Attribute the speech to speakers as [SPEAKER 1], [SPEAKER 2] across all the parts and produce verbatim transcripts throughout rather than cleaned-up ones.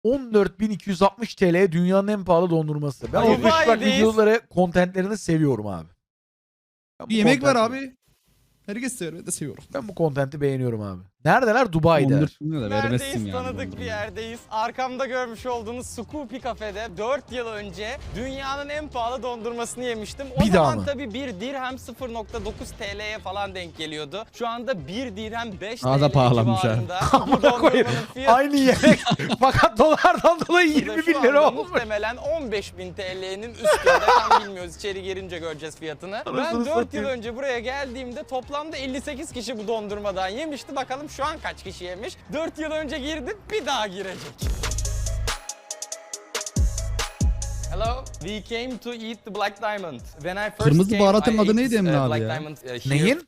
[SPEAKER 1] on dört bin iki yüz altmış T L dünyanın en pahalı dondurması. Ben o
[SPEAKER 2] Dubai'deyiz.
[SPEAKER 1] Dubai'deyiz. videoları, kontentlerini seviyorum abi. Ben bu
[SPEAKER 3] Bir yemek var
[SPEAKER 1] kontenti-
[SPEAKER 3] abi. Herkes seviyor. Ben de seviyorum.
[SPEAKER 1] Ben bu kontenti beğeniyorum abi. Neredeler? Dubai'de.
[SPEAKER 3] on dört bin lira vermezsin
[SPEAKER 2] Neredeyiz?
[SPEAKER 3] yani.
[SPEAKER 2] Tanıdık bir yerdeyiz. Arkamda görmüş olduğunuz Scoopy Cafe'de dört yıl önce dünyanın en pahalı dondurmasını yemiştim. O
[SPEAKER 1] Bir daha
[SPEAKER 2] zaman
[SPEAKER 1] mı?
[SPEAKER 2] tabii bir dirhem sıfır nokta dokuz T L'ye falan denk geliyordu. Şu anda bir dirhem beş
[SPEAKER 3] Daha da
[SPEAKER 2] T L
[SPEAKER 3] pahalanmış ha.
[SPEAKER 2] civarında. Bu
[SPEAKER 1] Amına koyayım.
[SPEAKER 2] dondurmanın fiyatı
[SPEAKER 1] Aynı yemek. Fakat dolardan dolayı
[SPEAKER 2] da
[SPEAKER 1] yirmi
[SPEAKER 2] şu
[SPEAKER 1] bin
[SPEAKER 2] anda
[SPEAKER 1] lira olmuş.
[SPEAKER 2] muhtemelen on beş bin T L'nin üstünde. Tam bilmiyoruz. İçeri girince göreceğiz fiyatını. Ben
[SPEAKER 1] Anasını
[SPEAKER 2] dört yıl
[SPEAKER 1] satayım.
[SPEAKER 2] önce buraya geldiğimde toplamda elli sekiz kişi bu dondurmadan yemişti. Bakalım şu an kaç kişi yemiş. dört yıl önce girdim, bir daha girecek. Hello, we came to eat the Black Diamond. When I first
[SPEAKER 3] Kırmızı
[SPEAKER 2] came,
[SPEAKER 3] baharatın
[SPEAKER 2] I
[SPEAKER 3] adı
[SPEAKER 2] ate
[SPEAKER 3] neydi
[SPEAKER 2] this,
[SPEAKER 3] Emre
[SPEAKER 2] uh,
[SPEAKER 3] abi
[SPEAKER 2] Black
[SPEAKER 3] ya?
[SPEAKER 2] Diamond, uh, here
[SPEAKER 1] Neyin?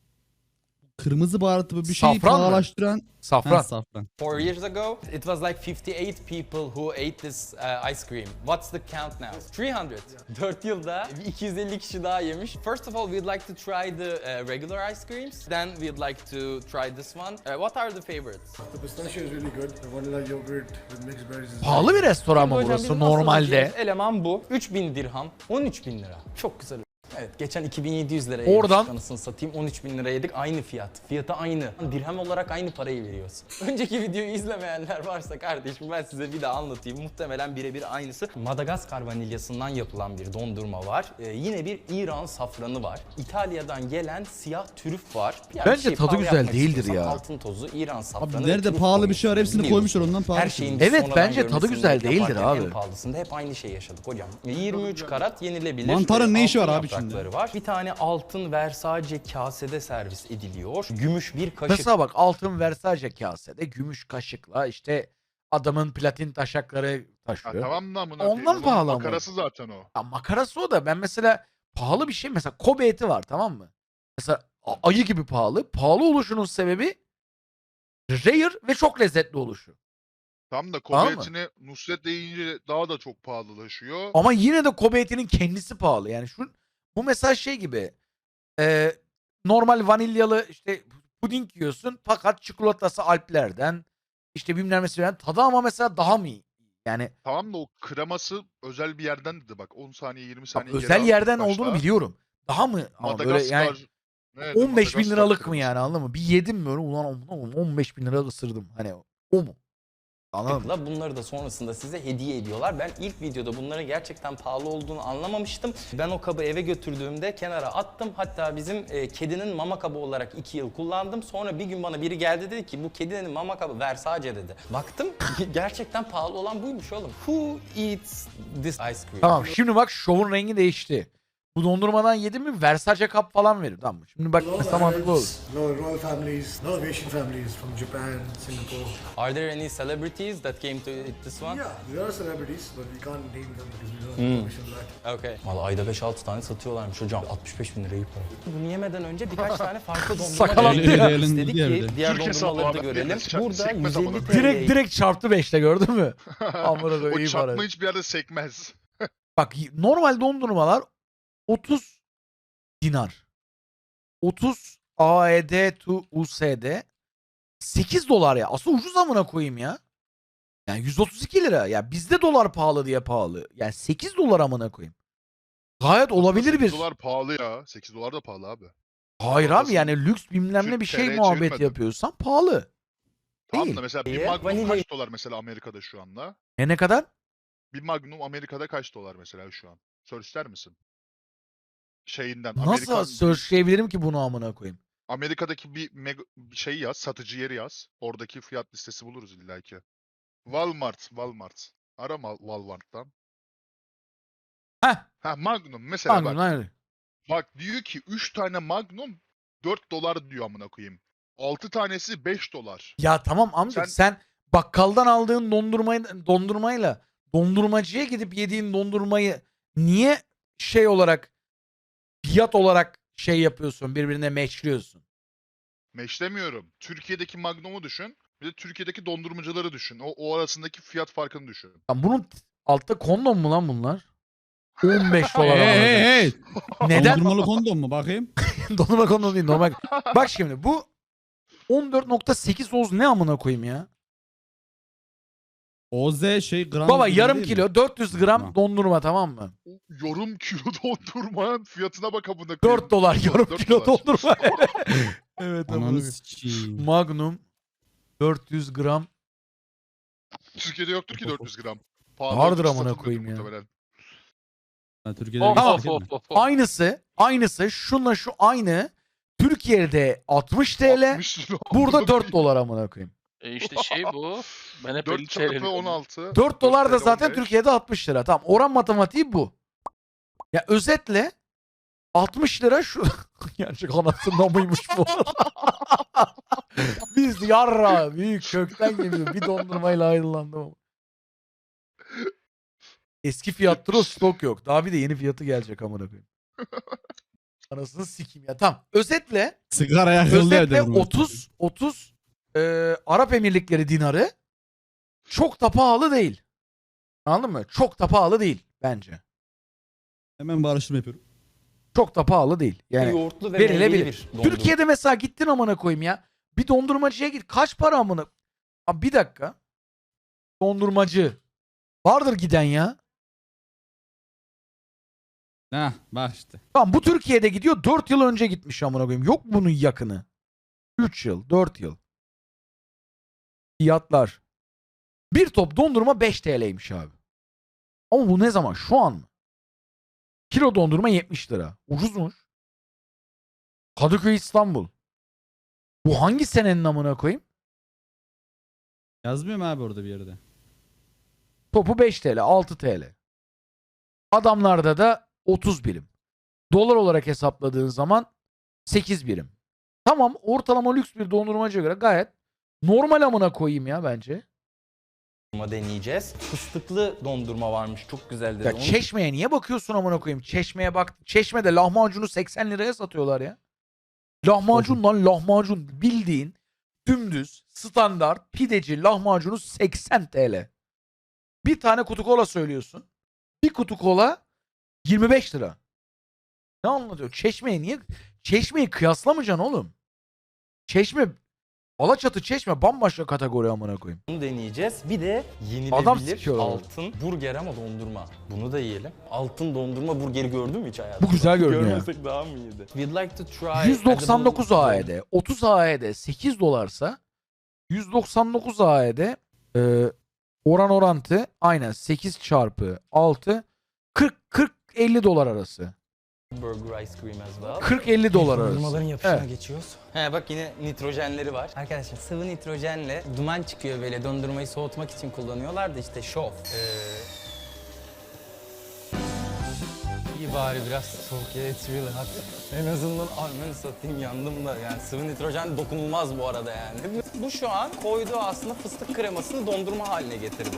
[SPEAKER 3] Kırmızı baharatı bir şeyi
[SPEAKER 1] Safran mı?
[SPEAKER 3] pahalaştıran.
[SPEAKER 1] Safran.
[SPEAKER 3] Ha, safran.
[SPEAKER 2] Four years ago, it was like fifty-eight people who ate this uh, ice cream. What's the count now? three hundred. dört yılda iki yüz elli kişi daha yemiş. First of all, we'd like to try the uh, regular ice creams. Then we'd like to try this one. Uh, what are the favorites?
[SPEAKER 4] The pistachio is really good. The vanilla yogurt with mixed berries is
[SPEAKER 1] Pahalı bir restoran mı
[SPEAKER 2] Hocam
[SPEAKER 1] burası
[SPEAKER 2] bizim asıl
[SPEAKER 1] normalde?
[SPEAKER 2] yiyeceğimiz eleman bu. üç bin dirham, on üç bin lira. Çok güzel. Evet, geçen iki bin yedi yüz liraya
[SPEAKER 1] Oradan-
[SPEAKER 2] yemiştik, anasını satayım, on üç bin lira yedik, aynı fiyat. Fiyatı aynı. Dirhem olarak aynı parayı veriyorsun. Önceki videoyu izlemeyenler varsa kardeşim ben size bir daha anlatayım. Muhtemelen birebir aynısı. Madagaskar vanilyasından yapılan bir dondurma var. Ee, yine bir İran safranı var. İtalya'dan gelen siyah trüf var. Yani
[SPEAKER 1] Bence
[SPEAKER 2] bir şey
[SPEAKER 1] tadı
[SPEAKER 2] pahalı
[SPEAKER 1] güzel
[SPEAKER 2] yapmak
[SPEAKER 1] değildir
[SPEAKER 2] istiyorsan
[SPEAKER 1] ya.
[SPEAKER 2] Altın tozu, İran safranı.
[SPEAKER 3] Abi
[SPEAKER 2] ve
[SPEAKER 3] nerede
[SPEAKER 2] trüf
[SPEAKER 3] pahalı bir şey var
[SPEAKER 2] koyuyorsun,
[SPEAKER 3] hepsini koymuşlar
[SPEAKER 2] biliyorsun.
[SPEAKER 3] ondan pahalı.
[SPEAKER 2] Her
[SPEAKER 3] bir şey.
[SPEAKER 2] şeyin
[SPEAKER 1] Evet,
[SPEAKER 2] sonradan
[SPEAKER 1] bence tadı
[SPEAKER 2] görmesini
[SPEAKER 1] güzel değildir
[SPEAKER 2] yaparken
[SPEAKER 1] abi.
[SPEAKER 2] En pahalısında hep aynı şey yaşadık hocam. yirmi üç karat yenilebilir.
[SPEAKER 3] Mantarın ne işi var
[SPEAKER 2] altın
[SPEAKER 3] abi içinde?
[SPEAKER 2] yaprakları var. Bir tane altın Versace kasede servis ediliyor. Gümüş bir kaşık.
[SPEAKER 1] Mesela bak altın Versace kasede gümüş kaşıkla işte adamın platin taşakları
[SPEAKER 5] Ha,
[SPEAKER 1] taşıyor.
[SPEAKER 5] tamam da amına
[SPEAKER 1] Ondan
[SPEAKER 5] koyayım. Onun
[SPEAKER 1] pahalı ama.
[SPEAKER 5] Makarası zaten o.
[SPEAKER 1] Ya makarası o da ben mesela pahalı bir şey mesela Kobe eti var tamam mı? Mesela a- ayı gibi pahalı. Pahalı oluşunun sebebi rare ve çok lezzetli oluşu.
[SPEAKER 5] Tam da
[SPEAKER 1] Tamam
[SPEAKER 5] Kobe
[SPEAKER 1] mı?
[SPEAKER 5] etini Nusret deyince daha da çok pahalılaşıyor.
[SPEAKER 1] Ama yine de Kobe etinin kendisi pahalı. Yani şu bu mesela şey gibi e, normal vanilyalı işte puding yiyorsun fakat çikolatası Alplerden işte bilmem ne tadı ama mesela daha mı iyi? Yani
[SPEAKER 5] Tamam da o kreması özel bir yerden dedi bak. on saniye yirmi
[SPEAKER 1] bak,
[SPEAKER 5] saniye geri
[SPEAKER 1] özel
[SPEAKER 5] al
[SPEAKER 1] yerden
[SPEAKER 5] başta.
[SPEAKER 1] olduğunu biliyorum. Daha mı? Ama böyle
[SPEAKER 5] Madagaskar.
[SPEAKER 1] yani
[SPEAKER 5] Evet,
[SPEAKER 1] on beş bin
[SPEAKER 5] Madagaskar
[SPEAKER 1] liralık mı
[SPEAKER 5] kreması.
[SPEAKER 1] yani anladın mı? Bir yedim mi öyle ulan ulan on beş bin lira ısırdım. Hani o mu? Anladın mı?
[SPEAKER 2] Bunları da sonrasında size hediye ediyorlar. Ben ilk videoda bunların gerçekten pahalı olduğunu anlamamıştım. Ben o kabı eve götürdüğümde kenara attım. Hatta bizim e, kedinin mama kabı olarak iki yıl kullandım. Sonra bir gün bana biri geldi dedi ki bu kedinin mama kabı Versace dedi. Baktım gerçekten pahalı olan buymuş oğlum. Who eats this ice cream?
[SPEAKER 1] Tamam şimdi bak şovun rengi değişti. Bu dondurmadan yedim mi Versace kap falan verir tamam mı? Şimdi bak
[SPEAKER 4] no
[SPEAKER 1] mesela mantıklı olur.
[SPEAKER 4] Arabs, no royal families, no Asian families from Japan, Singapore.
[SPEAKER 2] Are there any celebrities that came to eat this one?
[SPEAKER 4] Yeah, there are celebrities, but we can't name them because we don't have permission for that.
[SPEAKER 2] Okay. Valla ayda beş altı tane satıyorlarmış hocam. altmış beş bin lirayı para. Bunu yemeden önce birkaç tane farklı dondurma
[SPEAKER 1] Sakalattı
[SPEAKER 2] denedik.
[SPEAKER 3] ya.
[SPEAKER 2] İstedik
[SPEAKER 3] Diğer
[SPEAKER 2] ki
[SPEAKER 3] de.
[SPEAKER 2] diğer
[SPEAKER 5] Türk hesabı
[SPEAKER 2] dondurmaları da
[SPEAKER 5] abi,
[SPEAKER 2] görelim.
[SPEAKER 5] birisi çak-
[SPEAKER 2] Burada
[SPEAKER 5] sekmez amına
[SPEAKER 2] yüz elli
[SPEAKER 5] koyayım.
[SPEAKER 1] Direkt direkt çarptı beşle gördün mü? Amına koyayım
[SPEAKER 5] O
[SPEAKER 1] iyi para.
[SPEAKER 5] çarpma hiçbir yerde sekmez.
[SPEAKER 1] Bak normal dondurmalar otuz dinar. otuz A E D to U S D sekiz dolar ya. Aslında ucuz amına koyayım ya. Yani yüz otuz iki lira. Ya bizde dolar pahalı diye pahalı. Yani sekiz dolar amına koyayım. Gayet olabilir bir.
[SPEAKER 5] sekiz dolar pahalı ya. sekiz dolar da pahalı abi.
[SPEAKER 1] Hayır abi
[SPEAKER 5] Haklısın.
[SPEAKER 1] yani lüks bilmem ne
[SPEAKER 5] Türk
[SPEAKER 1] bir şey
[SPEAKER 5] T L'ye
[SPEAKER 1] muhabbet
[SPEAKER 5] çevirmedim.
[SPEAKER 1] yapıyorsan pahalı.
[SPEAKER 5] Tamam
[SPEAKER 1] Değil.
[SPEAKER 5] da mesela bir
[SPEAKER 2] Ee,
[SPEAKER 5] Magnum
[SPEAKER 2] vanilya-
[SPEAKER 5] kaç dolar mesela Amerika'da şu anda?
[SPEAKER 1] E ne kadar?
[SPEAKER 5] Bir Magnum Amerika'da kaç dolar mesela şu an? Sor ister misin? Şeyinden.
[SPEAKER 1] Nasıl
[SPEAKER 5] Amerika,
[SPEAKER 1] searchlayabilirim ki bunu amına koyayım?
[SPEAKER 5] Amerika'daki bir meg- bir şey yaz, satıcı yeri yaz. Oradaki fiyat listesi buluruz illaki. Walmart, Walmart. Arama Walmart'tan.
[SPEAKER 1] Heh.
[SPEAKER 5] Ha Magnum mesela
[SPEAKER 1] Magnum,
[SPEAKER 5] bak.
[SPEAKER 1] hayır.
[SPEAKER 5] Bak diyor ki üç tane Magnum dört dolar diyor amına koyayım. altı tanesi beş dolar.
[SPEAKER 1] Ya tamam amca
[SPEAKER 5] Sen-
[SPEAKER 1] sen bakkaldan aldığın dondurmayı dondurmayla dondurmacıya gidip yediğin dondurmayı niye şey olarak fiyat olarak şey yapıyorsun birbirine matchliyorsun?
[SPEAKER 5] Meşlemiyorum. Türkiye'deki Magnum'u düşün. Bir de Türkiye'deki dondurmacıları düşün. O, o arasındaki fiyat farkını düşün.
[SPEAKER 1] Lan bunun t- altta kondom mu lan bunlar? on beş dolar.
[SPEAKER 3] Hey
[SPEAKER 1] amına
[SPEAKER 3] hey
[SPEAKER 1] koyayım.
[SPEAKER 3] hey.
[SPEAKER 1] Neden?
[SPEAKER 3] Dondurmalı kondom mu bakayım?
[SPEAKER 1] Dondurma kondom değil normal. Bak şimdi bu on dört nokta sekiz oz ne amına koyayım ya?
[SPEAKER 3] O Z şey gram.
[SPEAKER 1] Baba
[SPEAKER 3] gibi
[SPEAKER 1] yarım
[SPEAKER 3] değil mi?
[SPEAKER 1] kilo dört yüz gram
[SPEAKER 3] Tamam.
[SPEAKER 1] dondurma, tamam mı?
[SPEAKER 5] Yorum kilo dondurmanın fiyatına bak amına koyayım.
[SPEAKER 1] dört dolar yarım
[SPEAKER 5] dört
[SPEAKER 1] kilo
[SPEAKER 5] dolar.
[SPEAKER 1] dondurma. Evet amına
[SPEAKER 3] Ananı
[SPEAKER 1] koyayım.
[SPEAKER 3] sikeyim.
[SPEAKER 1] Magnum dört yüz gram.
[SPEAKER 5] Türkiye'de yoktur ki dört yüz gram. Pahalı
[SPEAKER 1] Vardır
[SPEAKER 5] ucuz
[SPEAKER 1] amına
[SPEAKER 5] satılıyordur
[SPEAKER 1] koyayım ya.
[SPEAKER 5] muhtemelen.
[SPEAKER 3] Ha, Türkiye'de
[SPEAKER 6] Of
[SPEAKER 3] bir
[SPEAKER 1] Tamam.
[SPEAKER 6] of
[SPEAKER 3] fark
[SPEAKER 6] of
[SPEAKER 3] etme.
[SPEAKER 6] of. of.
[SPEAKER 1] Aynısı, aynısı şunla şu aynı. Türkiye'de altmış TL,
[SPEAKER 5] altmış lira
[SPEAKER 1] burada
[SPEAKER 5] amına
[SPEAKER 1] dört
[SPEAKER 5] koyayım.
[SPEAKER 1] dolar amına koyayım.
[SPEAKER 6] E işte şey bu. Ben hep elli
[SPEAKER 5] dört
[SPEAKER 6] T
[SPEAKER 5] çarpı
[SPEAKER 6] L'lik
[SPEAKER 5] on altı.
[SPEAKER 1] dört dolar da
[SPEAKER 5] dört
[SPEAKER 1] zaten
[SPEAKER 5] on beş.
[SPEAKER 1] Türkiye'de altmış lira. Tamam, oran matematiği bu. Ya özetle altmış lira şu. Gerçek anasının mıymış bu? Biz yarra büyük kökten geliyor. Bir dondurmayla ayrılandım ama. Eski fiyattır o, stok yok. Daha bir de yeni fiyatı gelecek amına koyayım. Anasını sikeyim ya. Tamam. Özetle
[SPEAKER 3] Sigara yakıldı
[SPEAKER 1] özetle
[SPEAKER 3] evde.
[SPEAKER 1] otuz otuz e, Arap Emirlikleri dinarı çok da pahalı değil. Anladın mı? Çok da pahalı değil bence.
[SPEAKER 3] Hemen bağırıştırma yapıyorum.
[SPEAKER 1] Çok da pahalı değil. Yani
[SPEAKER 2] Yoğurtlu ve
[SPEAKER 1] verilebilir.
[SPEAKER 2] meyveli bir dondurma.
[SPEAKER 1] Türkiye'de mesela gittin amına koyayım ya. Bir dondurmacıya git. Kaç para amına? Abi bir dakika. Dondurmacı. Vardır giden ya.
[SPEAKER 3] Heh bak işte.
[SPEAKER 1] Tamam, bu Türkiye'de gidiyor. dört yıl önce gitmiş amına koyayım. Yok bunun yakını. üç yıl, dört yıl. Fiyatlar. Bir top dondurma beş T L'ymiş abi. Ama bu ne zaman? Şu an mı? Kilo dondurma yetmiş lira. Ucuzmuş. Kadıköy, İstanbul. Bu hangi senenin amına koyayım?
[SPEAKER 3] Yazmıyor mu abi orada bir yerde?
[SPEAKER 1] Topu beş T L, altı T L. Adamlarda da otuz birim. Dolar olarak hesapladığın zaman sekiz birim. Tamam, ortalama lüks bir dondurmacıya göre gayet normal amına koyayım ya bence.
[SPEAKER 2] deneyeceğiz. Fıstıklı dondurma varmış. Çok güzel dedi.
[SPEAKER 1] Ya
[SPEAKER 2] Onu
[SPEAKER 1] Çeşme'ye niye bakıyorsun amına koyayım? Çeşme'ye bak. Çeşme'de lahmacunu seksen liraya satıyorlar ya. Lahmacun lan lahmacun, bildiğin dümdüz standart pideci lahmacunu seksen T L. Bir tane kutu kola söylüyorsun. Bir kutu kola yirmi beş lira. Ne anlatıyor? Çeşme'ye niye? Çeşme'yi kıyaslamayacaksın oğlum. Çeşme, Alaçatı Çeşme bambaşka kategori amına koyayım.
[SPEAKER 2] Bunu deneyeceğiz. Bir de
[SPEAKER 1] Adam
[SPEAKER 2] yenilebilir
[SPEAKER 1] sikiyorlar.
[SPEAKER 2] altın burger ama dondurma. Bunu da yiyelim. Altın dondurma burgeri gördün mü hiç hayatında?
[SPEAKER 1] Bu güzel görünüyor.
[SPEAKER 2] Görmesek daha mı iyiydi? We'd like to try
[SPEAKER 1] yüz doksan dokuz
[SPEAKER 2] edible-
[SPEAKER 1] A E D, otuz A E D sekiz dolarsa yüz doksan dokuz A E D e, oran orantı aynen sekiz çarpı altı kırk kırk elli dolar arası.
[SPEAKER 2] Burger ice cream as well.
[SPEAKER 1] kırk elli dolar arası.
[SPEAKER 2] Dondurmaların yapışına
[SPEAKER 1] Evet.
[SPEAKER 2] geçiyoruz. He bak yine nitrojenleri var. Arkadaşlar sıvı nitrojenle duman çıkıyor böyle dondurmayı soğutmak için kullanıyorlar da işte şov. Ee... İyi bari biraz soğuk ya, it's really hot. En azından ananı satayım yandım da yani sıvı nitrojen dokunulmaz bu arada yani. Bu şu an koyduğu aslında fıstık kremasını dondurma haline getirdi.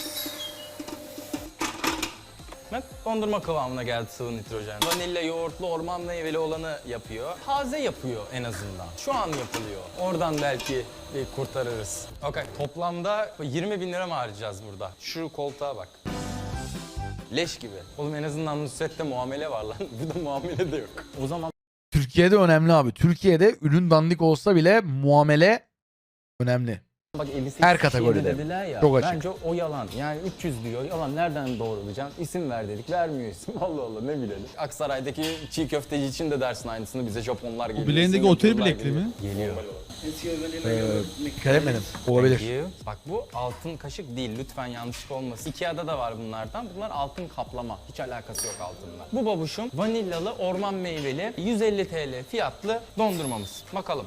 [SPEAKER 2] Bak dondurma kıvamına geldi sıvı nitrojen. Vanilya, yoğurtlu, orman meyveli olanı yapıyor. Taze yapıyor en azından. Şu an yapılıyor. Oradan belki bir kurtarırız. Okay. Toplamda yirmi bin lira mı harcayacağız burada? Şu koltuğa bak. Leş gibi. Oğlum en azından Nusret'te muamele var lan. Burada muamele de yok. O zaman
[SPEAKER 1] Türkiye'de önemli abi. Türkiye'de ürün dandik olsa bile muamele önemli.
[SPEAKER 2] bak elli sekiz
[SPEAKER 1] Her
[SPEAKER 2] kişiye
[SPEAKER 1] kategoride.
[SPEAKER 2] de dediler ya.
[SPEAKER 1] Çok açık.
[SPEAKER 2] Bence o yalan. Yani üç yüz diyor. Yalan nereden doğrulayacaksın? İsim ver dedik. Vermiyor isim. Allah Allah ne bilelim. Aksaray'daki çiğ köfteci için de dersin aynısını. Bize Japonlar geliyor.
[SPEAKER 3] bileğindeki
[SPEAKER 2] Singapurlular
[SPEAKER 3] otel bilekli
[SPEAKER 2] geliyor.
[SPEAKER 3] mi?
[SPEAKER 2] Geliyor.
[SPEAKER 4] It's your vanilla
[SPEAKER 1] Ee,
[SPEAKER 4] yogurt mix.
[SPEAKER 1] dikkat etmedim.
[SPEAKER 2] Thank
[SPEAKER 1] Olabilir.
[SPEAKER 2] you. Bak bu altın kaşık değil. Lütfen yanlışlık olmasın. Ikea'da da var bunlardan. Bunlar altın kaplama. Hiç alakası yok altınla. Bu babuşum vanilyalı, orman meyveli, yüz elli T L fiyatlı dondurmamız. Bakalım.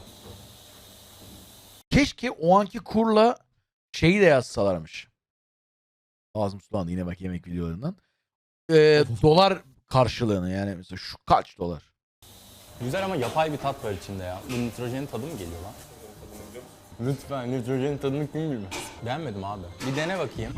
[SPEAKER 1] Keşke o anki kurla şeyi de yazsalarmış. Ağzım sulandı yine bak yemek videolarından. Ee, dolar karşılığını yani mesela şu kaç dolar?
[SPEAKER 2] Güzel ama yapay bir tat var içinde ya. Bu nitrojenin tadı mı geliyor lan? Lütfen nitrojenin tadını kim bilmez? Beğenmedim abi. Bir dene bakayım.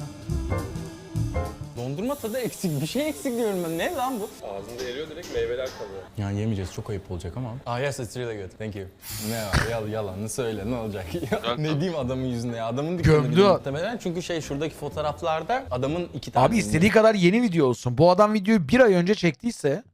[SPEAKER 2] Dondurma tadı eksik. Bir şey eksik diyorum ben. Ne lan bu?
[SPEAKER 7] Ağzında eriyor direkt meyveler kalıyor.
[SPEAKER 2] Yani yemeyeceğiz. Çok ayıp olacak ama. Ah yes, it's really good. Thank you. Ne var? Yal, yalanını söyle. Ne olacak? Ya, ne diyeyim adamın yüzünde ya? Adamın dükkanı
[SPEAKER 1] Gömdü
[SPEAKER 2] bile
[SPEAKER 1] o.
[SPEAKER 2] muhtemelen. Çünkü şey şuradaki fotoğraflarda adamın iki tane...
[SPEAKER 1] Abi istediği kadar yeni video olsun. Bu adam videoyu bir ay önce çektiyse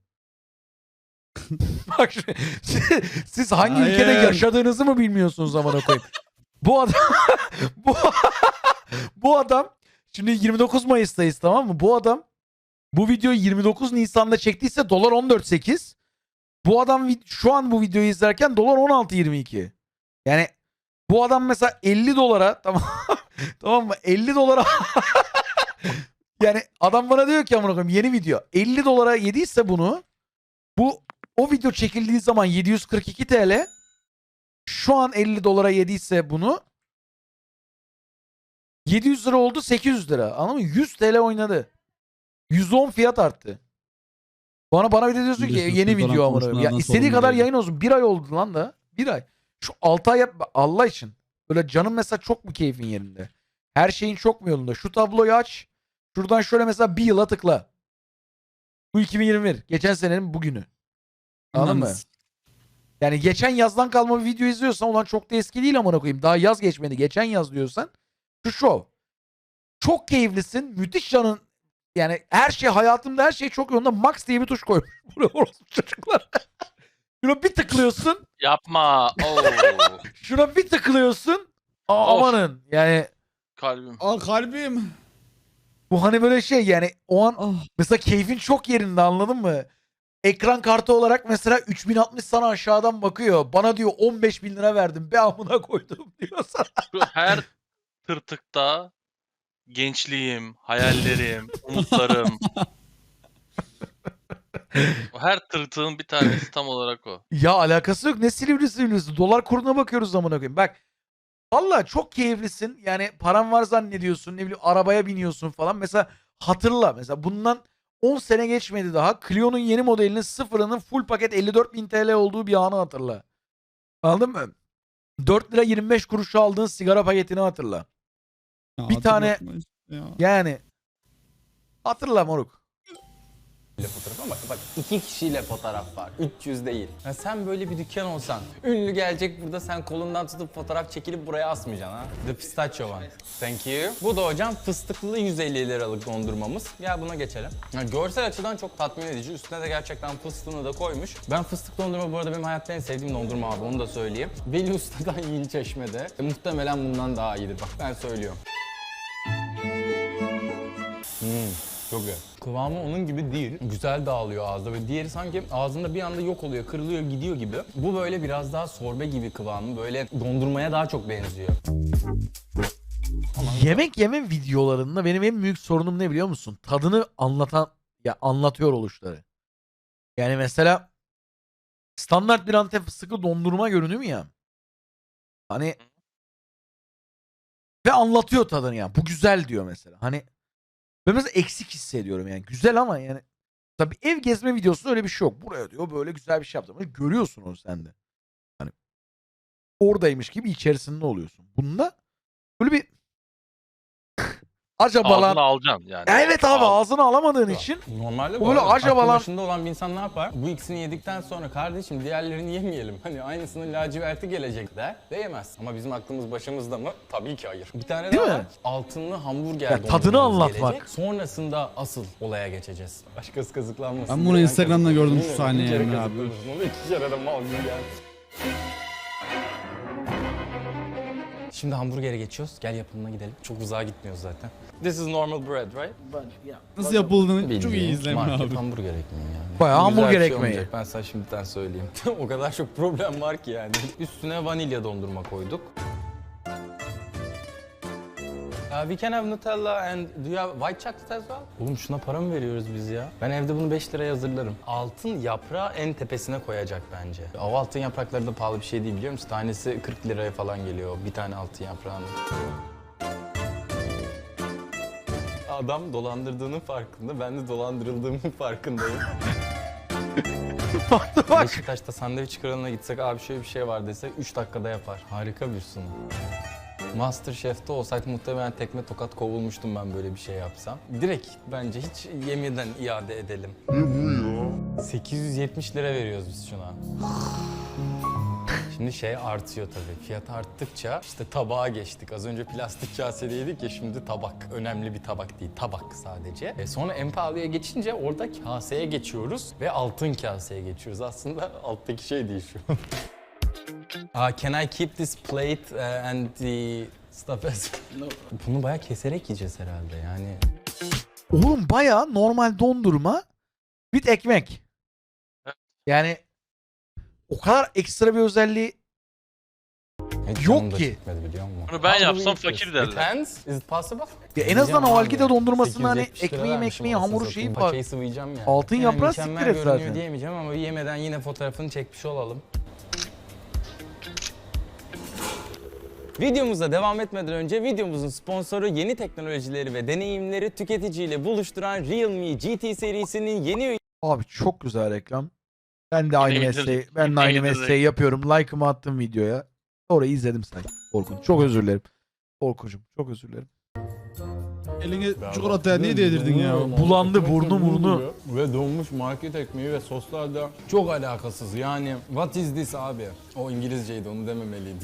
[SPEAKER 1] bak şu- siz hangi
[SPEAKER 3] Hayır.
[SPEAKER 1] ülkede yaşadığınızı mı bilmiyorsunuz amına koyayım? Bu adam bu Bu adam şimdi yirmi dokuz Mayıs'tayız, tamam mı? Bu adam bu videoyu yirmi dokuz Nisan'da çektiyse dolar on dört nokta sekiz. Bu adam vid- şu an bu videoyu izlerken dolar on altı nokta yirmi iki. Yani bu adam mesela elli dolara tamam tamam mı? elli dolara yani adam bana diyor ki amına koyayım yeni video. elli dolara yediyse bunu, bu o video çekildiği zaman yedi yüz kırk iki T L. Şu an elli dolara yediyse bunu yedi yüz lira oldu, sekiz yüz lira. Anladın mı? yüz T L oynadı. yüz on fiyat arttı. Bana bana bir de diyorsun ki
[SPEAKER 3] Biliyorsun,
[SPEAKER 1] yeni
[SPEAKER 3] Türk
[SPEAKER 1] video
[SPEAKER 3] olan
[SPEAKER 1] amına koyayım. Ya
[SPEAKER 3] konuşmalardan
[SPEAKER 1] istediği
[SPEAKER 3] sorumlu
[SPEAKER 1] kadar
[SPEAKER 3] değil.
[SPEAKER 1] yayın olsun. Bir ay oldu lan da. Bir ay. Şu altı ay yap Allah için. Böyle canım mesela çok mu keyfin yerinde? Her şeyin çok mu yolunda? Şu tabloyu aç. Şuradan şöyle mesela bir yıla tıkla. Bu iki bin yirmi bir. Geçen senenin bugünü. Anladın mı?
[SPEAKER 3] Yalnız
[SPEAKER 1] Yani geçen yazdan kalma bir video izliyorsan ulan çok da eski değil amına koyayım. Daha yaz geçmedi. Geçen yaz diyorsan şu şov. Çok keyiflisin. Müthiş canın. Yani her şey hayatımda her şey çok yolunda. Max diye bir tuş koymuş. Buraya orospu çocuklar. Şuna bir tıklıyorsun.
[SPEAKER 6] Yapma. Oo.
[SPEAKER 1] Şuna bir tıklıyorsun. Aa,
[SPEAKER 6] Of.
[SPEAKER 1] amanın. Yani
[SPEAKER 6] Kalbim.
[SPEAKER 3] Aa kalbim.
[SPEAKER 1] bu hani böyle şey yani o an
[SPEAKER 3] Ah.
[SPEAKER 1] mesela keyfin çok yerinde, anladın mı? Ekran kartı olarak mesela üç bin altmış sana aşağıdan bakıyor. Bana diyor on beş bin lira verdim. Be amına koydum diyor sana.
[SPEAKER 6] Şu her tırtıkta gençliğim, hayallerim, umutlarım. O her tırtığın bir tanesi tam olarak o.
[SPEAKER 1] Ya alakası yok. Ne Silivri Silivri'si? Dolar kuruna bakıyoruz amına koyayım. Bak. Valla çok keyiflisin. Yani paran var zannediyorsun. Ne bileyim arabaya biniyorsun falan. Mesela hatırla. Mesela bundan on sene geçmedi daha. Clio'nun yeni modelinin sıfırının full paket elli dört bin T L olduğu bir anı hatırla. Anladın mı? dört lira yirmi beş kuruşa aldığın sigara paketini hatırla.
[SPEAKER 3] Ya
[SPEAKER 1] Bir tane-
[SPEAKER 3] hatırlatma işte ya.
[SPEAKER 1] Yani hatırla moruk.
[SPEAKER 2] fotoğraf ama bak iki kişiyle fotoğraf var. üç yüz değil. Ya sen böyle bir dükkan olsan, ünlü gelecek burada, sen kolundan tutup fotoğraf çekilip buraya asmayacaksın ha. The pistachio one. Thank you. Bu da hocam fıstıklı yüz elli liralık dondurmamız. Ya buna geçelim. Ya görsel açıdan çok tatmin edici. Üstüne de gerçekten fıstığını da koymuş. Ben fıstık dondurma bu arada benim hayatta en sevdiğim dondurma abi, onu da söyleyeyim. Veli Usta'dan Yiğil Çeşme'de. E, muhtemelen bundan daha iyidir bak ben söylüyorum. Hmm. Çok güzel. Kıvamı onun gibi değil. Güzel dağılıyor ağızda ve diğeri sanki ağzında bir anda yok oluyor, kırılıyor, gidiyor gibi. Bu böyle biraz daha sorbe gibi kıvamı. Böyle dondurmaya daha çok benziyor.
[SPEAKER 1] Yemek yeme videolarında benim en büyük sorunum ne biliyor musun? Tadını anlatan ya anlatıyor oluşları. Yani mesela standart bir Antep fıstıklı dondurma görünüyor ya. Hani ve anlatıyor tadını ya. Bu güzel diyor mesela. Hani ben mesela eksik hissediyorum yani. Güzel ama yani tabii ev gezme videosunda öyle bir şey yok. Buraya diyor böyle güzel bir şey yaptım. Hani görüyorsun onu sen de. Hani oradaymış gibi içerisinde oluyorsun. Bunda böyle bir acaba lan.
[SPEAKER 6] Ağzına alacaksın yani.
[SPEAKER 1] Evet abi
[SPEAKER 6] Al.
[SPEAKER 1] ağzına alamadığın için
[SPEAKER 2] Normalde
[SPEAKER 1] Bu
[SPEAKER 2] bu
[SPEAKER 1] böyle
[SPEAKER 2] arada
[SPEAKER 1] acaba
[SPEAKER 2] aklı
[SPEAKER 1] lan-
[SPEAKER 2] başında olan bir insan ne yapar? Bu ikisini yedikten sonra kardeşim diğerlerini yemeyelim. Hani aynısının laciverti gelecek der. De yemez. Ama bizim aklımız başımızda mı? Tabii ki hayır. Bir tane
[SPEAKER 1] Değil
[SPEAKER 2] daha
[SPEAKER 1] mi?
[SPEAKER 2] var. Altınlı hamburger
[SPEAKER 1] Ya tadını
[SPEAKER 2] dondurmamız
[SPEAKER 1] anlatmak.
[SPEAKER 2] gelecek. Sonrasında asıl olaya geçeceğiz. Başkası kazıklanmasın.
[SPEAKER 3] Ben bunu
[SPEAKER 2] diye
[SPEAKER 3] Instagram'da gördüm şu
[SPEAKER 2] Bilmiyorum,
[SPEAKER 3] sahneyi
[SPEAKER 2] bir kere
[SPEAKER 3] Emre abi.
[SPEAKER 2] kazıklanırsın. Onu iki kere de mal gibi geldi. Şimdi hamburgere geçiyoruz. Gel yapımına gidelim. Çok uzağa gitmiyoruz zaten. This is normal bread, right?
[SPEAKER 4] But yeah.
[SPEAKER 3] Nasıl yapıldığını çok iyi
[SPEAKER 2] Bildiğin
[SPEAKER 3] izleme
[SPEAKER 2] market
[SPEAKER 3] abi.
[SPEAKER 2] hamburger ekmeği yani.
[SPEAKER 1] Bayağı
[SPEAKER 2] Güzel
[SPEAKER 1] hamburger
[SPEAKER 2] bir şey
[SPEAKER 1] ekmeği.
[SPEAKER 2] olmayacak, ben sana şimdiden söyleyeyim. O kadar çok problem var ki yani. Üstüne vanilya dondurma koyduk. Uh, we can have Nutella and do you have white chocolate as well? Oğlum şuna para mı veriyoruz biz ya? Ben evde bunu beş liraya hazırlarım. Altın yaprağı en tepesine koyacak bence. O altın yaprakları da pahalı bir şey değil biliyor musun? Tanesi kırk liraya falan geliyor bir tane altın yaprağının. Adam dolandırdığının farkında, ben de dolandırıldığımın farkındayım.
[SPEAKER 1] bak.
[SPEAKER 2] Beşiktaş'ta sandviç kralına gitsek abi şöyle bir şey var desek üç dakikada yapar. Harika bir sunum. Masterchef'te olsak muhtemelen tekme tokat kovulmuştum ben böyle bir şey yapsam. Direkt bence hiç yemeden iade edelim. Ne bu ya? sekiz yüz yetmiş lira veriyoruz biz şuna. Şimdi şey artıyor tabii. Fiyat arttıkça işte tabağa geçtik. Az önce plastik kasedeydik ya, şimdi tabak. Önemli bir tabak değil, tabak sadece. E sonra en pahalıya geçince orada kaseye geçiyoruz ve altın kaseye geçiyoruz. Aslında alttaki şey değil şu. Uh, can I keep this plate uh, and the Stafes. Bunu bayağı keserek yiyeceğiz herhalde yani.
[SPEAKER 1] Oğlum baya normal dondurma with ekmek. Yani o kadar ekstra bir özelliği
[SPEAKER 2] Hiç
[SPEAKER 1] Yok
[SPEAKER 2] canım da
[SPEAKER 1] ki.
[SPEAKER 2] çekmedi, biliyor musun?
[SPEAKER 6] Bunu ben
[SPEAKER 2] How do
[SPEAKER 6] yapsam
[SPEAKER 2] we eat
[SPEAKER 6] fakir
[SPEAKER 2] this?
[SPEAKER 6] derler.
[SPEAKER 2] Depends. Is it possible?
[SPEAKER 1] ya en azından o
[SPEAKER 2] Yiyeceğim
[SPEAKER 1] algide
[SPEAKER 2] abi.
[SPEAKER 1] dondurmasında hani
[SPEAKER 2] sekiz yüz yetmiş lira
[SPEAKER 1] ekmeği
[SPEAKER 2] vermişim
[SPEAKER 1] ekmeği
[SPEAKER 2] anasını
[SPEAKER 1] hamuru
[SPEAKER 2] satayım.
[SPEAKER 1] şeyi var.
[SPEAKER 2] Paçayı sıvayacağım yani.
[SPEAKER 1] Altın
[SPEAKER 2] Yani
[SPEAKER 1] yaprağı
[SPEAKER 2] mükemmel
[SPEAKER 1] siktir et
[SPEAKER 2] görünüyor
[SPEAKER 1] zaten.
[SPEAKER 2] diyemeyeceğim ama yemeden yine fotoğrafını çekmiş olalım. Videomuza devam etmeden önce videomuzun sponsoru yeni teknolojileri ve deneyimleri tüketiciyle buluşturan Realme G T serisinin yeni
[SPEAKER 1] Abi çok güzel reklam. Ben de aynı
[SPEAKER 6] Yine
[SPEAKER 1] mesleği,
[SPEAKER 6] indirdik.
[SPEAKER 1] ben de
[SPEAKER 6] Yine
[SPEAKER 1] aynı
[SPEAKER 6] indirdik.
[SPEAKER 1] mesleği yapıyorum. Like'ımı attım videoya. Orayı izledim say. Orkun. Çok özür dilerim. Orkuncum çok özür dilerim.
[SPEAKER 3] Eline çikolataya niye değdirdin ya?
[SPEAKER 1] Bulandı burnu burnu.
[SPEAKER 2] Ve donmuş market ekmeği ve soslar da çok alakasız. Yani what is this abi? O İngilizceydi, onu dememeliydim.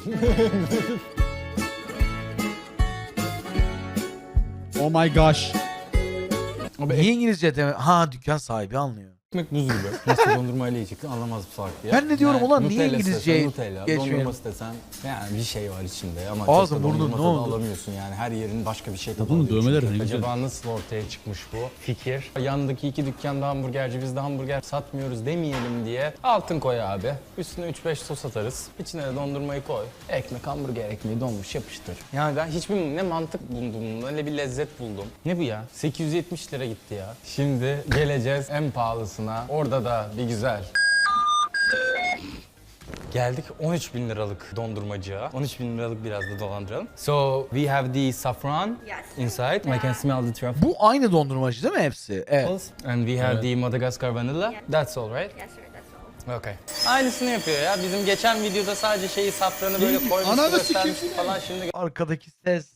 [SPEAKER 3] Oh my gosh.
[SPEAKER 2] Abi
[SPEAKER 1] Niye İngilizce deme? Ha dükkan sahibi anlıyor.
[SPEAKER 2] ekmek buz gibi. Nasıl dondurmayla yiyecektin anlamaz bu salak diye.
[SPEAKER 1] Ben de diyorum, ulan niye
[SPEAKER 2] Nutella
[SPEAKER 1] İngilizceyi
[SPEAKER 2] istesen Nutella,
[SPEAKER 1] geçmeyelim?
[SPEAKER 2] dondurma istesen yani bir şey var içinde ama
[SPEAKER 1] Ağzın,
[SPEAKER 2] çok da
[SPEAKER 1] burnun
[SPEAKER 2] dondurma
[SPEAKER 1] ne
[SPEAKER 2] tadı
[SPEAKER 1] oldu?
[SPEAKER 2] alamıyorsun yani. Her yerin başka bir şey tadı
[SPEAKER 3] Bunun
[SPEAKER 2] alıyor
[SPEAKER 3] dövmeleri
[SPEAKER 2] çünkü.
[SPEAKER 3] ne güzel.
[SPEAKER 2] Acaba nasıl ortaya çıkmış bu fikir? Yandaki iki dükkanda hamburgerci, biz de hamburger satmıyoruz demeyelim diye altın koy abi. Üstüne üç beş sos atarız. İçine de dondurmayı koy. Ekmek, hamburger ekmeği donmuş yapıştır. Yani ben hiçbir ne mantık buldum, ne bir lezzet buldum. Ne bu ya? sekiz yüz yetmiş lira gitti ya. Şimdi geleceğiz en pahalısına. Orada da bir güzel. Geldik on üç bin liralık dondurmacıya. on üç bin liralık biraz da dolandıralım. So we have the saffron
[SPEAKER 8] Yes.
[SPEAKER 2] inside. I can smell the truffles.
[SPEAKER 1] Bu aynı dondurmacı değil mi hepsi? Evet.
[SPEAKER 2] And we have the Madagascar vanilla.
[SPEAKER 8] Yeah.
[SPEAKER 2] That's all right?
[SPEAKER 8] Yes, sir, that's all.
[SPEAKER 2] Okay. Aynısını yapıyor ya. Bizim geçen videoda sadece şeyi safranı böyle koymuş,
[SPEAKER 3] Ananı
[SPEAKER 2] göstermiş
[SPEAKER 3] sikeyim.
[SPEAKER 2] falan. Şimdi
[SPEAKER 1] Arkadaki ses.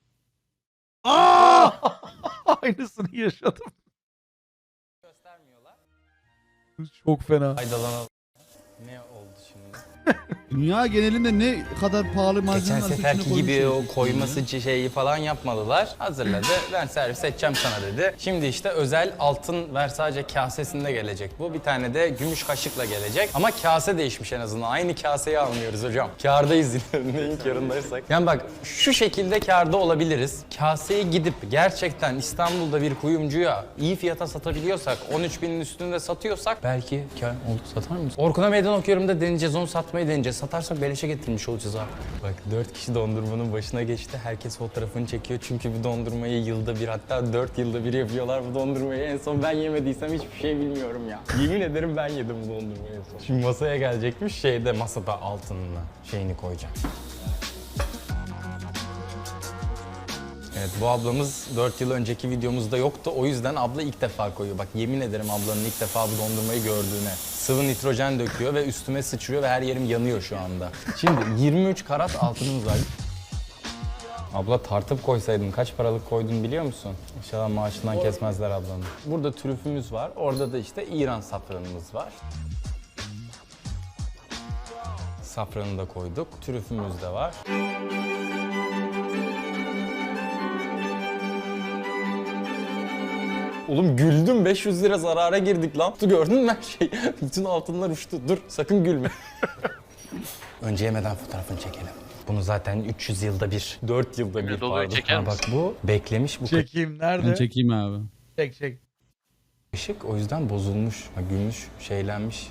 [SPEAKER 1] Aa! Aynısını yaşadım.
[SPEAKER 2] göstermiyorlar.
[SPEAKER 1] Çok fena.
[SPEAKER 2] Faydalanalım. Ne oldu şimdi?
[SPEAKER 3] Dünya genelinde ne kadar pahalı malzeme
[SPEAKER 2] Geçen
[SPEAKER 3] varsa
[SPEAKER 2] seferki
[SPEAKER 3] içine
[SPEAKER 2] gibi
[SPEAKER 3] koymuşlar.
[SPEAKER 2] o koyması şeyi falan yapmadılar. Hazırladı. Ben servis edeceğim sana dedi. Şimdi işte özel altın Versace kasesinde gelecek bu. Bir tane de gümüş kaşıkla gelecek. Ama kase değişmiş en azından. Aynı kaseyi almıyoruz hocam. Kârdayız yine. Neyin kârındaysak. Yani bak şu şekilde kârda olabiliriz. Kaseyi gidip gerçekten İstanbul'da bir kuyumcuya iyi fiyata satabiliyorsak, on üç binin üstünde satıyorsak belki kâr oldu. Satar mıyız? Orkun'a meydan okuyorum da deneyeceğiz. Onu satmayı deneyeceğiz. Satarsak beleşe getirmiş olacağız abi. Bak dört kişi dondurmanın başına geçti. Herkes fotoğrafını çekiyor. Çünkü bu dondurmayı yılda bir, hatta dört yılda bir yapıyorlar bu dondurmayı. En son ben yemediysem hiçbir şey bilmiyorum ya. Yemin ederim ben yedim bu dondurmayı en son. Şimdi masaya gelecekmiş. Şeyde masada altınına şeyini koyacağım. Evet, bu ablamız dört yıl önceki videomuzda yoktu. O yüzden abla ilk defa koyuyor. Bak yemin ederim ablanın ilk defa bu dondurmayı gördüğüne. Sıvı nitrojen döküyor ve üstüme sıçrıyor ve her yerim yanıyor şu anda. Şimdi yirmi üç karat altınımız var. Abla tartıp koysaydın kaç paralık koydun biliyor musun? İnşallah maaşından kesmezler ablanın. Burada trüfümüz var. Orada da işte İran safranımız var. Safranı da koyduk. Trüfümüz de var. Oğlum güldüm, beş yüz lira zarara girdik lan. Tu gördün mü her şey? Bütün altınlar uçtu. Dur sakın gülme. Önce yemeden fotoğrafını çekelim. Bunu zaten üç yüz yılda bir, dört yılda bir
[SPEAKER 6] Dolayı
[SPEAKER 2] pardon.
[SPEAKER 6] çeker
[SPEAKER 2] Ha, bak bu beklemiş bu
[SPEAKER 1] Çekeyim nerede?
[SPEAKER 3] Ben çekeyim abi.
[SPEAKER 1] Çek çek.
[SPEAKER 2] kaşık o yüzden bozulmuş. Ha, gümüş, şeylenmiş.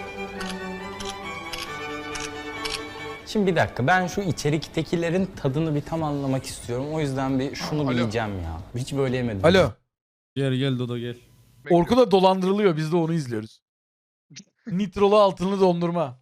[SPEAKER 2] Şimdi bir dakika ben şu içeriktekilerin tadını bir tam anlamak istiyorum. O yüzden bir şunu
[SPEAKER 5] Alo.
[SPEAKER 2] bir yiyeceğim ya. Hiç böyle yemedim.
[SPEAKER 1] Alo.
[SPEAKER 3] Gel gel Dodo gel.
[SPEAKER 1] Orkun da dolandırılıyor. Biz de onu izliyoruz. Nitrolu altınlı dondurma.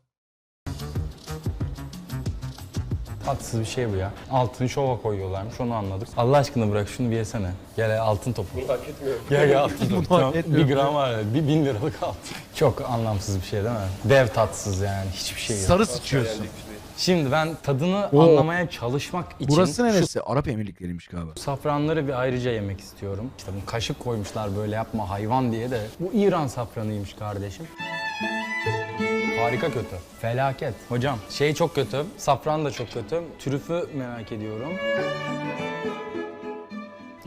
[SPEAKER 2] Tatsız bir şey bu ya. Altını şova koyuyorlarmış onu anladık. Allah aşkına bırak şunu bir yesene. Gel altın topu.
[SPEAKER 7] Bunu hak etmiyorum.
[SPEAKER 2] Gel gel altın topu.
[SPEAKER 1] Bunu
[SPEAKER 2] Tamam,
[SPEAKER 1] hak
[SPEAKER 2] bir
[SPEAKER 1] etmiyorum.
[SPEAKER 2] gram var ya, bir bin liralık altın. Çok anlamsız bir şey değil mi? Dev tatsız yani hiçbir şey yok.
[SPEAKER 1] Sarı sıçıyorsun.
[SPEAKER 2] Şimdi ben tadını
[SPEAKER 1] Oo.
[SPEAKER 2] anlamaya çalışmak için
[SPEAKER 1] Burası
[SPEAKER 2] şu
[SPEAKER 1] neresi? Arap Emirlikleri'ymiş galiba.
[SPEAKER 2] safranları bir ayrıca yemek istiyorum. İşte bu kaşık koymuşlar böyle yapma hayvan diye de. Bu İran safranıymış kardeşim. Harika kötü. Felaket. Hocam şey çok kötü. Safran da çok kötü. Trüfü merak ediyorum.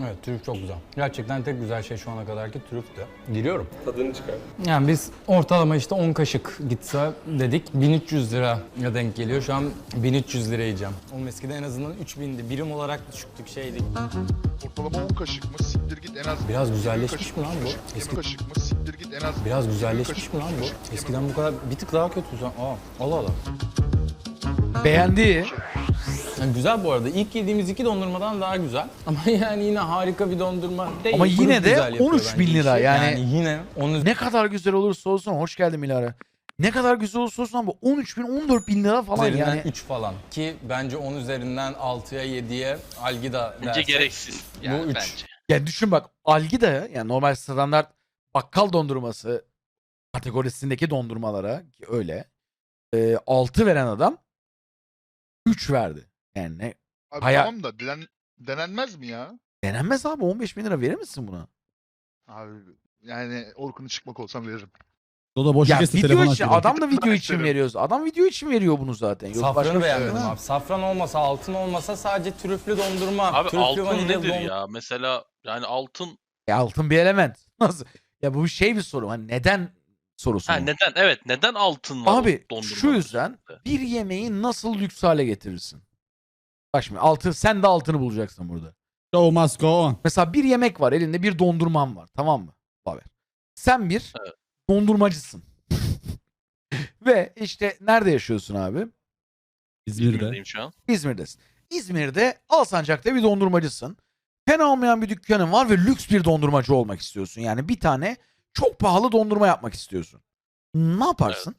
[SPEAKER 2] Evet, trüf çok güzel. Gerçekten tek güzel şey şu ana kadarki trüftü. Giriyorum.
[SPEAKER 7] Tadını çıkar.
[SPEAKER 2] Yani biz ortalama işte on kaşık gitse dedik bin üç yüz lira denk geliyor. Şu an bin üç yüz lira yiyeceğim. Oğlum eskiden en azından üç bindi. Birim olarak düşüktük şeydik.
[SPEAKER 5] Ortalama on kaşık mı? Siktir git en az.
[SPEAKER 2] Biraz
[SPEAKER 5] yirmi
[SPEAKER 2] güzelleşmiş
[SPEAKER 5] kaşık,
[SPEAKER 2] mi lan bu?
[SPEAKER 5] kaşık, yirmi
[SPEAKER 2] Eski-
[SPEAKER 5] kaşık mı? Siktir git en az.
[SPEAKER 2] Biraz
[SPEAKER 5] yirmi
[SPEAKER 2] güzelleşmiş
[SPEAKER 5] kaşık,
[SPEAKER 2] mi lan
[SPEAKER 5] kaşık,
[SPEAKER 2] bu? Eskiden bu kadar bir tık daha kötü. Aa, Allah Allah.
[SPEAKER 1] Beğendi.
[SPEAKER 2] Yani güzel bu arada. İlk yediğimiz iki dondurmadan daha güzel. Ama yani yine harika bir dondurma değil.
[SPEAKER 1] Ama
[SPEAKER 2] Grup
[SPEAKER 1] yine de
[SPEAKER 2] güzel yapıyor
[SPEAKER 1] on üç bin
[SPEAKER 2] bence
[SPEAKER 1] lira
[SPEAKER 2] işi.
[SPEAKER 1] yani.
[SPEAKER 2] Yani yine onu
[SPEAKER 1] Ne kadar güzel olursa olsun, hoş geldin Milara. Ne kadar güzel olursa olsun ama on üç bin on dört bin lira falan
[SPEAKER 2] üzerinden
[SPEAKER 1] yani.
[SPEAKER 2] üç falan. Ki bence on üzerinden altıya yediye Algida
[SPEAKER 6] Bence
[SPEAKER 2] dersek.
[SPEAKER 6] gereksiz. Yani
[SPEAKER 2] bu üç.
[SPEAKER 6] bence.
[SPEAKER 1] Yani düşün bak, Algida yani normal standart bakkal dondurması kategorisindeki dondurmalara ki öyle e, altı veren adam üç verdi. Yani ne,
[SPEAKER 5] Abi
[SPEAKER 1] Hayal-
[SPEAKER 5] tamam da denen, denenmez mi ya?
[SPEAKER 1] denenmez abi, on beş bin lira verir misin buna?
[SPEAKER 5] Abi yani Orkun'u çıkmak olsam veririm.
[SPEAKER 3] O da boşu
[SPEAKER 1] Ya
[SPEAKER 3] kesti
[SPEAKER 1] video
[SPEAKER 3] telefon
[SPEAKER 1] için,
[SPEAKER 3] açıyor.
[SPEAKER 1] adam da video
[SPEAKER 5] Ben
[SPEAKER 1] için
[SPEAKER 5] isterim.
[SPEAKER 1] veriyoruz. Adam video için veriyor bunu zaten. Yok başka
[SPEAKER 2] Safranı
[SPEAKER 1] bir şey
[SPEAKER 2] beğenmedim
[SPEAKER 1] yok.
[SPEAKER 2] abi. Safran olmasa, altın olmasa sadece trüflü dondurma.
[SPEAKER 6] Abi
[SPEAKER 2] trüflü
[SPEAKER 6] altın
[SPEAKER 2] vanilyalı
[SPEAKER 6] nedir
[SPEAKER 2] dondurma.
[SPEAKER 6] ya? Mesela yani altın
[SPEAKER 1] Ya altın bir element. Nasıl? Ya bu şey bir soru. Hani neden sorusu.
[SPEAKER 6] ha,
[SPEAKER 1] mu?
[SPEAKER 6] neden evet neden altın var
[SPEAKER 1] Abi
[SPEAKER 6] o dondurmanın
[SPEAKER 1] şu yüzden
[SPEAKER 6] üstünde?
[SPEAKER 1] bir yemeği nasıl lüks hale getirirsin? Bak şimdi altın, sen de altını bulacaksın burada.
[SPEAKER 3] Show must go on.
[SPEAKER 1] Mesela bir yemek var, elinde bir dondurman var, tamam mı? Haber. Sen bir
[SPEAKER 6] Evet.
[SPEAKER 1] dondurmacısın. Ve işte nerede yaşıyorsun abi?
[SPEAKER 3] İzmir'de.
[SPEAKER 6] İzmir'deyim şu an.
[SPEAKER 1] İzmir'desin. İzmir'de Alsancak'ta bir dondurmacısın. Fena olmayan bir dükkanın var ve lüks bir dondurmacı olmak istiyorsun. Yani bir tane çok pahalı dondurma yapmak istiyorsun. Ne yaparsın?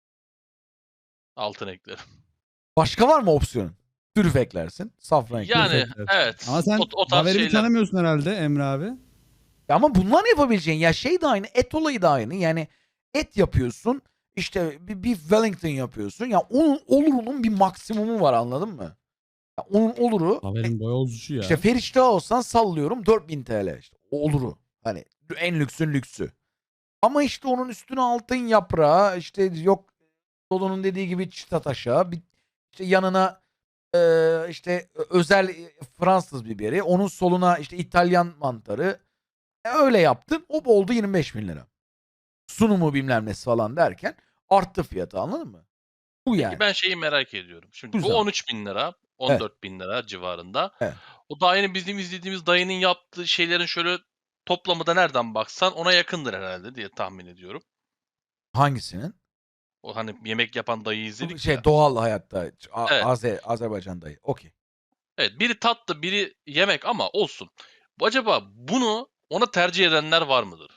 [SPEAKER 6] Altın eklerim.
[SPEAKER 1] Başka var mı opsiyonun? Trüf eklersin, safran eklersin.
[SPEAKER 6] Yani
[SPEAKER 3] eklersin.
[SPEAKER 6] evet.
[SPEAKER 3] Ama sen
[SPEAKER 6] o, o tarz
[SPEAKER 3] Haver'i
[SPEAKER 6] şeyler.
[SPEAKER 3] tanımıyorsun herhalde Emre abi.
[SPEAKER 1] Ya ama bunlar yapabileceğin, ya şey de aynı, et olayı da aynı. Yani et yapıyorsun, işte bir, bir Wellington yapıyorsun. Ya onun olurunun bir maksimumu var, anladın mı? Ya onun oluru
[SPEAKER 3] Haver'in boy ozucu ya.
[SPEAKER 1] işte Feriç'te olsan sallıyorum dört bin T L işte. O oluru. Hani en lüksün lüksü. Ama işte onun üstüne altın yaprağı, işte yok Dolu'nun dediği gibi çıta taşa, bir işte yanına e, işte özel Fransız biberi, onun soluna işte İtalyan mantarı. E, öyle yaptın. O oldu yirmi beş bin lira. Sunumu bilmem nesi falan derken arttı fiyatı, anladın mı? Bu yani.
[SPEAKER 6] Peki ben şeyi merak ediyorum. Şimdi
[SPEAKER 1] Güzel.
[SPEAKER 6] bu on üç bin lira, on dört bin lira civarında.
[SPEAKER 1] Evet.
[SPEAKER 6] O daha yeni bizim izlediğimiz dayının yaptığı şeylerin şöyle toplamı da nereden baksan ona yakındır herhalde diye tahmin ediyorum.
[SPEAKER 1] Hangisinin?
[SPEAKER 6] O hani yemek yapan dayıyı izledik
[SPEAKER 1] Şey
[SPEAKER 6] ya.
[SPEAKER 1] doğal hayatta. A-
[SPEAKER 6] Evet.
[SPEAKER 1] Azer, Azerbaycan'dayı. Okey.
[SPEAKER 6] Evet, biri tatlı, biri yemek ama olsun. Bu acaba bunu ona tercih edenler var mıdır?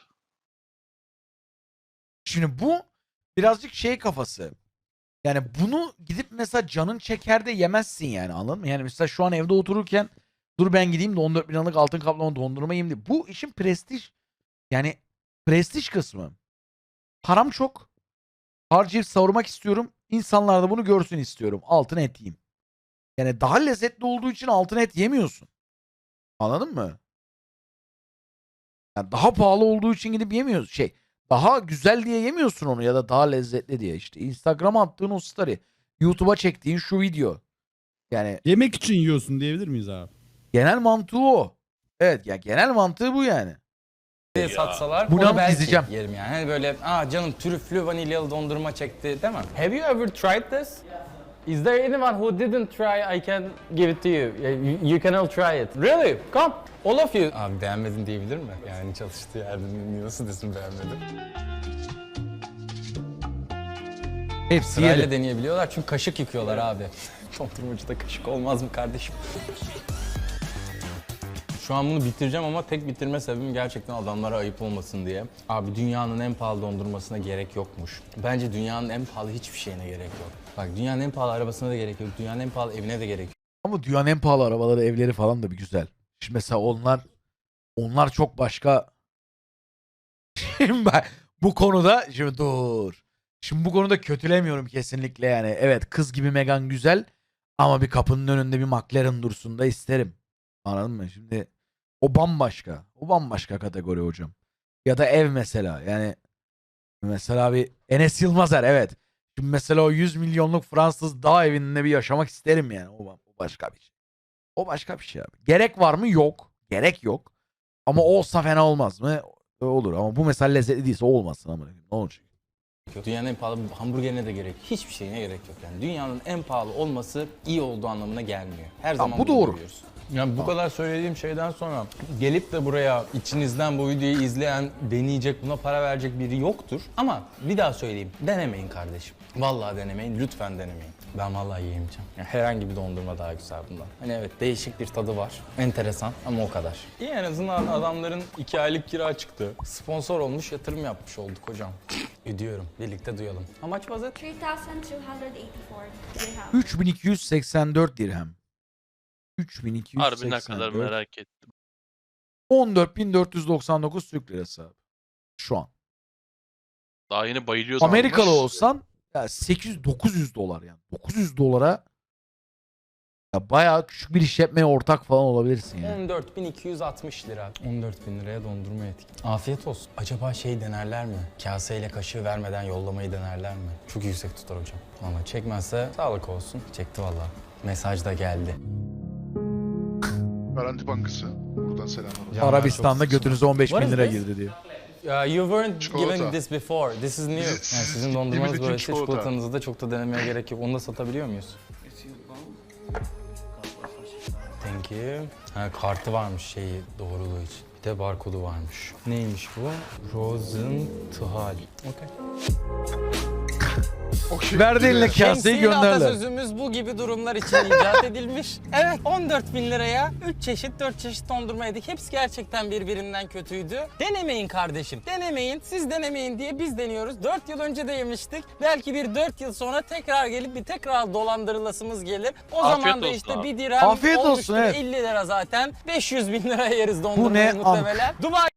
[SPEAKER 1] Şimdi bu birazcık şey kafası. Yani bunu gidip mesela canın çeker de yemezsin yani, anladın mı? Yani mesela şu an evde otururken dur ben gideyim de on dört bin liralık altın kaplama dondurma yiyeyim diye. Bu işin prestij, yani prestij kısmı. Param çok. Harcayıp savurmak istiyorum. İnsanlar da bunu görsün istiyorum. Altın et yiyeyim. Yani daha lezzetli olduğu için altın et yemiyorsun. Anladın mı? Yani daha pahalı olduğu için gidip yemiyorsun. Şey, daha güzel diye yemiyorsun onu ya da daha lezzetli diye. İşte Instagram'a attığın o story, YouTube'a çektiğin şu video. Yani
[SPEAKER 3] Yemek için yiyorsun diyebilir miyiz abi?
[SPEAKER 1] genel mantığı o. Evet ya, genel mantığı bu yani.
[SPEAKER 2] diye satsalar
[SPEAKER 1] Bunu
[SPEAKER 2] onu belki
[SPEAKER 1] izleyeceğim.
[SPEAKER 2] yerim yani. Hani böyle aa canım trüflü vanilyalı dondurma çekti değil mi? Have you ever tried this? Is there anyone who didn't try? I can give it to you. You, you can all try it. Really? Come. All of you. Abi beğenmedin diyebilir mi? Yani çalıştığı yerde nasıl desin beğenmedim?
[SPEAKER 1] Hepsi
[SPEAKER 2] Sırayla
[SPEAKER 1] yedi.
[SPEAKER 2] deneyebiliyorlar çünkü kaşık yıkıyorlar abi. Dondurmacıda kaşık olmaz mı kardeşim? Şu an bunu bitireceğim ama tek bitirme sebebim gerçekten adamlara ayıp olmasın diye. Abi dünyanın en pahalı dondurmasına gerek yokmuş. Bence dünyanın en pahalı hiçbir şeyine gerek yok. Bak dünyanın en pahalı arabasına da gerek yok. Dünyanın en pahalı evine de gerek yok.
[SPEAKER 1] Ama dünyanın en pahalı arabaları, evleri falan da bir güzel. Şimdi mesela onlar onlar çok başka. Şimdi ben bu konuda şimdi dur. Şimdi bu konuda kötülemiyorum kesinlikle yani. Evet, kız gibi Meghan güzel ama bir kapının önünde bir McLaren dursun da isterim. Anladın mı? Şimdi o bambaşka. O bambaşka kategori hocam. Ya da ev mesela. Yani mesela bir Enes Yılmazer, evet. Şimdi mesela o yüz milyonluk Fransız dağ evinde bir yaşamak isterim yani. O, o başka bir şey. O başka bir şey abi. Gerek var mı? Yok. gerek yok. Ama olsa fena olmaz mı? Olur ama bu mesela lezzetli değilse olmasın ama ne olacak?
[SPEAKER 2] Dünyanın en pahalı hamburgerine de gerek. Hiçbir şeyine gerek yok yani. Dünyanın en pahalı olması iyi olduğu anlamına gelmiyor. Her
[SPEAKER 1] Tamam,
[SPEAKER 2] zaman
[SPEAKER 1] bu
[SPEAKER 2] bunu
[SPEAKER 1] doğru.
[SPEAKER 2] görüyoruz.
[SPEAKER 8] Yani bu kadar söylediğim şeyden sonra gelip de buraya içinizden bu videoyu izleyen, deneyecek, buna para verecek biri yoktur. Ama bir daha söyleyeyim, denemeyin kardeşim. Vallahi denemeyin, lütfen denemeyin. Ben vallahi yiyemeyeceğim. Yani herhangi bir dondurma daha güzel bundan. Hani evet değişik bir tadı var, enteresan ama o kadar. İyi en azından adamların iki aylık kira çıktı. Sponsor olmuş, yatırım yapmış olduk hocam. Ödüyorum, birlikte duyalım. How much was it?
[SPEAKER 9] three thousand two hundred eighty-four dirham.
[SPEAKER 1] üç bin iki yüz seksen dört dirhem. üç bin iki yüz seksen dört.
[SPEAKER 6] Harbi ne kadar merak ettim.
[SPEAKER 1] on dört bin dört yüz doksan dokuz Türk lirası abi. Şu an.
[SPEAKER 6] Daha yeni bayılıyordum.
[SPEAKER 1] Amerikalı
[SPEAKER 5] almış.
[SPEAKER 1] olsan ya sekiz yüz dokuz yüz dolar yani. dokuz yüz dolara ya bayağı küçük bir işletmeye ortak falan olabilirsin yani.
[SPEAKER 2] on dört bin iki yüz altmış lira. on dört bin liraya dondurma yedik. Afiyet olsun. Acaba şey denerler mi? Kaseyle kaşığı vermeden yollamayı denerler mi? Çok yüksek tutar hocam. Ama çekmezse sağlık olsun. Çekti vallahi. Mesaj da geldi.
[SPEAKER 5] Garanti Bankası. Buradan selamlar olsun.
[SPEAKER 2] Canlar
[SPEAKER 1] Arabistan'da
[SPEAKER 2] çok-
[SPEAKER 1] götünüze on beş
[SPEAKER 2] What
[SPEAKER 1] bin
[SPEAKER 2] is
[SPEAKER 1] lira
[SPEAKER 2] this?
[SPEAKER 1] girdi diyor.
[SPEAKER 2] Uh, you weren't
[SPEAKER 5] Çikolata.
[SPEAKER 2] given this before. This is new.
[SPEAKER 5] Siz-
[SPEAKER 2] Yani
[SPEAKER 5] siz
[SPEAKER 2] sizin dondurmanız
[SPEAKER 5] gittiğimiz için
[SPEAKER 2] böyle
[SPEAKER 5] çikolata.
[SPEAKER 2] çikolatanızı da çok da denemeye gerek yok. Onu da satabiliyor muyuz? Thank you. Ha, kartı varmış şeyi doğruluğu için. Bir de barkodu varmış. Neymiş bu? Rosenthal. Okay.
[SPEAKER 5] Okey.
[SPEAKER 1] Verdi eline kaseyi
[SPEAKER 2] Şemsiye
[SPEAKER 1] gönderler.
[SPEAKER 2] atasözümüz bu gibi durumlar için icat edilmiş. Evet on dört bin liraya üç çeşit dört çeşit dondurma yedik. Hepsi gerçekten birbirinden kötüydü. Denemeyin kardeşim. Denemeyin. Siz denemeyin diye biz deniyoruz. dört yıl önce de yemiştik. Belki bir dört yıl sonra tekrar gelip bir tekrar dolandırılasımız gelir. O
[SPEAKER 6] Afiyet
[SPEAKER 2] zaman da
[SPEAKER 6] olsun
[SPEAKER 2] işte
[SPEAKER 6] abi.
[SPEAKER 2] bir dirhem
[SPEAKER 1] Afiyet olsun,
[SPEAKER 2] olmuştur
[SPEAKER 1] evet.
[SPEAKER 2] elli lira zaten. beş yüz bin liraya yeriz dondurmayı
[SPEAKER 1] ne?
[SPEAKER 2] muhtemelen. Dubai